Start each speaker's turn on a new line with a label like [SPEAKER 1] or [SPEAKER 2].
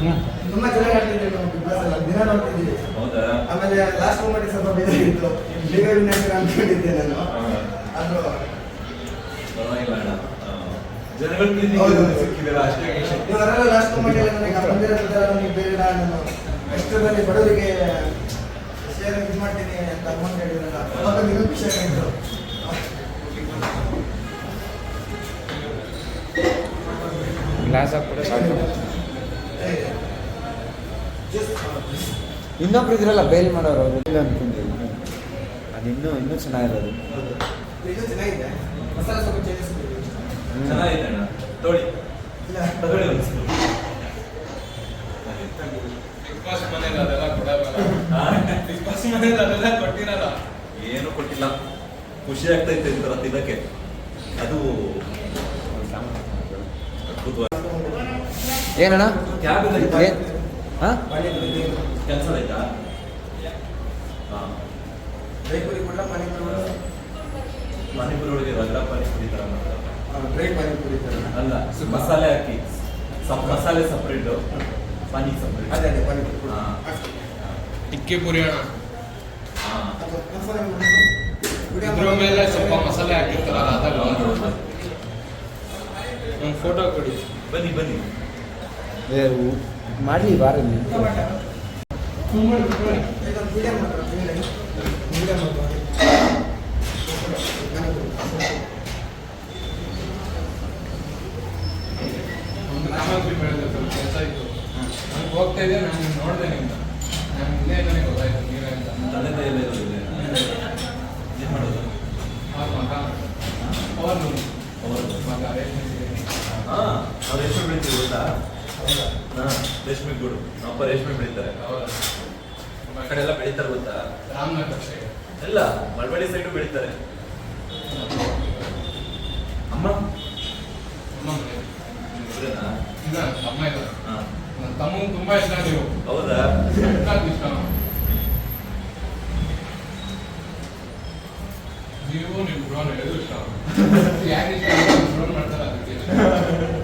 [SPEAKER 1] ತುಂಬಾ ಚೆನ್ನಾಗಿ ಆಡ್ತಿದ್ವಿ ನಾವು ಬಿಗ್ ಬಾಸ್ ಎಲ್ಲ ದಿನ ನೋಡ್ತಿದ್ದೀವಿ. ಆಮೇಲೆ ಲಾಸ್ಟ್ ಮೂಮೆಂಟ್ ಸ್ವಲ್ಪ ಬೇಜಾರಿತ್ತು, ಬೇಗ ವಿನಾಶ ಅನ್ಕೊಂಡಿದ್ದೆ ನಾನು. ಅದು ಇವರೆಲ್ಲ ಲಾಸ್ಟ್ ಮೂಮೆಂಟ್ ನನಗೆ ಬಂದಿರೋದ್ರ ನನಗೆ ಬೇಡ, ನಾನು ಕಷ್ಟದಲ್ಲಿ ಬಡವರಿಗೆ ಶೇರ್ ಇದು ಮಾಡ್ತೀನಿ ಅಂತ ಅಮೌಂಟ್ ಹೇಳಿದ್ರಲ್ಲ, ಅವಾಗ ಇನ್ನೂ ಖುಷಿ ಆಗಿತ್ತು.
[SPEAKER 2] ಗ್ಲಾಸ್ ಹಾಕ್ಬಿಟ್ಟು ಸಾಕು. ಇನ್ನೊಬ್ರು ಇದ್ರಲ್ಲ ಬೇಲ್ ಮಾಡೋರು ಅವರು ಇಲ್ಲ ಅನ್ಕೊಂಡಿದ್ದೀನಿ. ಅದು ಇನ್ನೂ ಚೆನ್ನಾಗಿರೋದು.
[SPEAKER 1] ಇದು ಚೆನ್ನಾಗಿದೆ, ಮಸಾಲೆ ಸ್ವಲ್ಪ ಚೇಂಜಸ್
[SPEAKER 3] ಚೆನ್ನಾಗಿದೆ ಅಣ್ಣ. ತೊಳಿ
[SPEAKER 1] ಇಲ್ಲ
[SPEAKER 3] ತಗೊಳ್ಳಿ.
[SPEAKER 4] ಬಿಗ್ ಬಾಸ್ ಮನೇಲಿ ಅದೆಲ್ಲ ಕೊಡಲ್ಲ. ಬಿಗ್ ಬಾಸ್ ಮನೇಲಿ ಅದೆಲ್ಲ ಕೊಟ್ಟಿರಲ್ಲ.
[SPEAKER 3] ಏನು ಕೊಟ್ಟಿಲ್ಲ, ಖುಷಿ ಆಗ್ತೈತೆ ಈ ಥರ ತಿನ್ನಕ್ಕೆ. ಅದು
[SPEAKER 2] ಏನಣ್ಣ
[SPEAKER 3] ಕ್ಯಾಬ್
[SPEAKER 2] ಹಾಂ
[SPEAKER 3] ಕ್ಯಾನ್ಸಲ್ ಆಯ್ತಾ? ಹಾಂ,
[SPEAKER 1] ದೈಪುರಿ ಕೊಡ್ಲ ಪಾನಿಪುರಿ
[SPEAKER 3] ಪಾನಿಪುರಿ ಒಳಗೆ ರಗಡ ಪಾನಿಪುರಿ ಥರ ಮಾಡ್ತಾರೆ.
[SPEAKER 1] ಡ್ರೈ ಪಾನಿಪುರಿ ಥರ
[SPEAKER 3] ಅಲ್ಲ, ಮಸಾಲೆ ಹಾಕಿ ಮಸಾಲೆ ಸಪ್ರೇಟು, ಪಾನಿ ಸಪ್ರೇಟ್.
[SPEAKER 1] ಅದೇ ಪಾನಿಪುರಿ.
[SPEAKER 3] ಹಾಂ,
[SPEAKER 4] ಟಿಕ್ಕಿ ಪುರಿ ಅಣ್ಣ.
[SPEAKER 3] ಹಾಂ,
[SPEAKER 4] ಇದ್ರ ಮೇಲೆ ಸ್ವಲ್ಪ ಮಸಾಲೆ ಹಾಕಿರ್ತಾರಲ್ಲ ಅದಲ್ಲ. ಒಂದು ಫೋಟೋ ಕೊಡಿ.
[SPEAKER 3] ಬನ್ನಿ ಬನ್ನಿ.
[SPEAKER 2] ಮಾಡಲಿ ಬಾರಲ್ಲಿ
[SPEAKER 4] ಒಂದು ಸಾಮಗ್ರಿ ಬೆಳೆದ ಸ್ವಲ್ಪ ಕೆಲಸ ಇತ್ತು. ನಾನು ಹೋಗ್ತಾ ಇದ್ದೆ, ನಾನು ನೋಡಿದೆ ನಿಮ್ಗೆ. ನಾನು ಇಲ್ಲೇ ನನಗೆ ಗೊತ್ತಾಯ್ತು ನೀವೇ ಅಂತ.
[SPEAKER 3] ತಂದೆ ಎಲ್ಲ ಇರೋದಿಲ್ಲ. ಏನು ಮಾಡೋದು?
[SPEAKER 4] ಅವ್ರ ಮಗ ಅವರು ಮಗ ರೇಷ್ಮೆ ಸೀರೆ.
[SPEAKER 3] ಹಾಂ, ಅವ್ರು ರೇಷ್ಮೆ ಬೆಳಿತೀವಿ ಗೊತ್ತಾ? ಹಾಂ, ರೇಷ್ಮೆ ಗೂಡು. ನಮ್ಮ ಅಪ್ಪ ರೇಷ್ಮೆ ಬೆಳೀತಾರೆ. ಆ ಕಡೆ ಎಲ್ಲ ಬೆಳೀತಾರೆ ಗೊತ್ತಾ?
[SPEAKER 4] ರಾಮನಗರ ಸೈಡ್
[SPEAKER 3] ಎಲ್ಲ ಮಳವಳ್ಳಿ ಸೈಡು ಬೆಳೀತಾರೆ. ಅಮ್ಮ
[SPEAKER 4] ನಮ್ಮ ಮನೆ
[SPEAKER 3] ಇವ್ರೇನಾ?
[SPEAKER 4] ಇಲ್ಲ, ಅಮ್ಮ ಇಲ್ಲ.
[SPEAKER 3] ಹಾಂ,
[SPEAKER 4] ನನ್ನ ತಮ್ಮ ತುಂಬಾ ಇಷ್ಟ ನೀವು.
[SPEAKER 3] ಹೌದಾ?
[SPEAKER 4] ಇಷ್ಟ ನೀವು ನಿಮ್ಮ ಡ್ರೋನ್ ಎದು ಇಷ್ಟ. ಯಾರು ಇಷ್ಟ ಡ್ರೋನ್ ಮಾಡ್ತಾರೆ ಅದಕ್ಕೆ